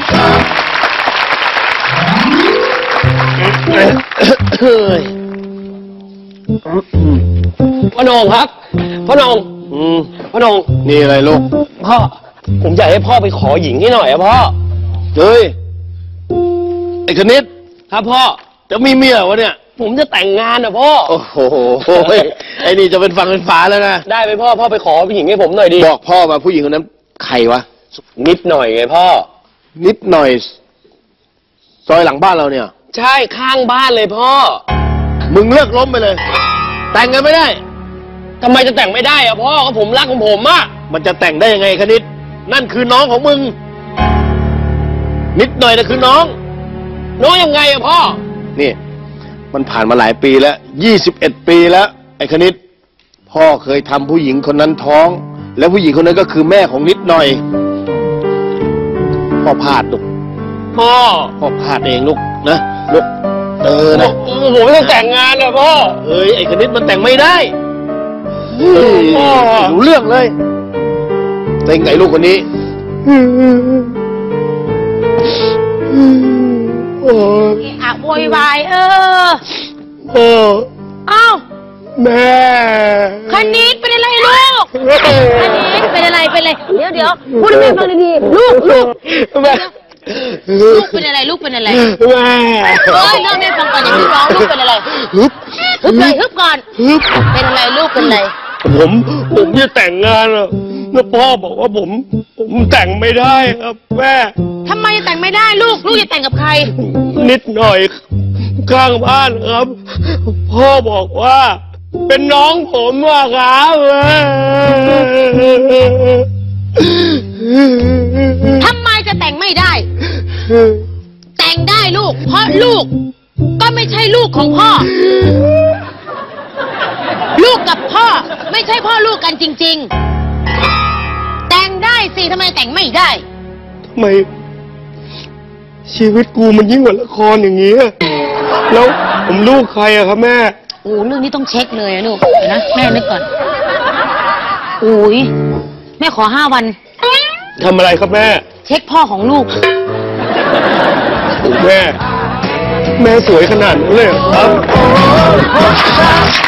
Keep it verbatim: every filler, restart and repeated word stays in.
พ่อโหน่งครับพ่อโหน่งอืมพ่อโหน่งนี่อะไรลูกพ่อผมอยากให้พ่อไปขอหญิงให้หน่อยอะพ่อเฮ้ยไอ้คณิตครับพ่อจะมีเมียวะเนี่ยผมจะแต่งงานอะพ่อโอ้โหไอ้นี่จะเป็นฟังเป็นฝาแล้วนะได้ไหมพ่อพ่อไปขอผู้หญิงให้ผมหน่อยดิบอกพ่อมาผู้หญิงคนนั้นใครวะนิดหน่อยไงพ่อนิดหน่อยซอยหลังบ้านเราเนี่ยใช่ข้างบ้านเลยพ่อมึงเลิกล้มไปเลยแต่งกันไม่ได้ทำไมจะแต่งไม่ได้อะพ่อก็ผมรักของผมอะมันจะแต่งได้ยังไงคณิตนั่นคือน้องของมึงนิดหน่อยนะคือน้องน้องยังไงอะพ่อนี่มันผ่านมาหลายปีแล้วยี่สิบเอ็ดปีแล้วไอ้คณิตพ่อเคยทำผู้หญิงคนนั้นท้องแล้วผู้หญิงคนนั้นก็คือแม่ของนิดหน่อยพ่อพลาดลูกพ่อพ่อพลาดเองลูกนะลูกเออนะผมไม่ต้องแต่งงานนะพ่อเอ้ยไอ้คณิตมันแต่งไม่ได้พ่อรู้เรื่องเลยได้ไงลูกคนนี้โอ้ยอะโวยวายเออโอ้อ้าวแม่คณิตเป็นอะไรลูกคณิตเป็นอะไรเป็นอะไรเดี๋ยวเดี๋ยวพูดให้แม่ฟังดีๆลูกลูกแม่ลูกเป็นอะไรลูกเป็นอะไรแม่เฮ้ยเล่าแม่ฟังก่อนอย่าเพิ่งร้องลูกเป็นอะไรฮึบฮึบเลยฮึบก่อนฮึบเป็นอะไรลูกเป็นอะไรผมผมจะแต่งงานอะแล้วพ่อบอกว่าผมผมแต่งไม่ได้ครับแม่ทำไมแต่งไม่ได้ลูกลูกจะแต่งกับใครนิดหน่อยข้างบ้านครับพ่อบอกว่าเป็นน้องผมอะครับทำไมจะแต่งไม่ได้แต่งได้ลูกเพราะลูกก็ไม่ใช่ลูกของพ่อลูกกับพ่อไม่ใช่พ่อลูกกันจริงๆแต่งได้สิทำไมแต่งไม่ได้ทำไมชีวิตกูมันยิ่งกว่าละครอย่างนี้แล้วผมลูกใครอะครับแม่โอ้เรื่องนี้ต้องเช็คเลยนะลูกเดี๋ยวนะแม่นึกก่อนโอ้ยแม่ขอห้าวันทำอะไรครับแม่เช็คพ่อของลูกแม่แม่สวยขนาดนั้นเลยครับ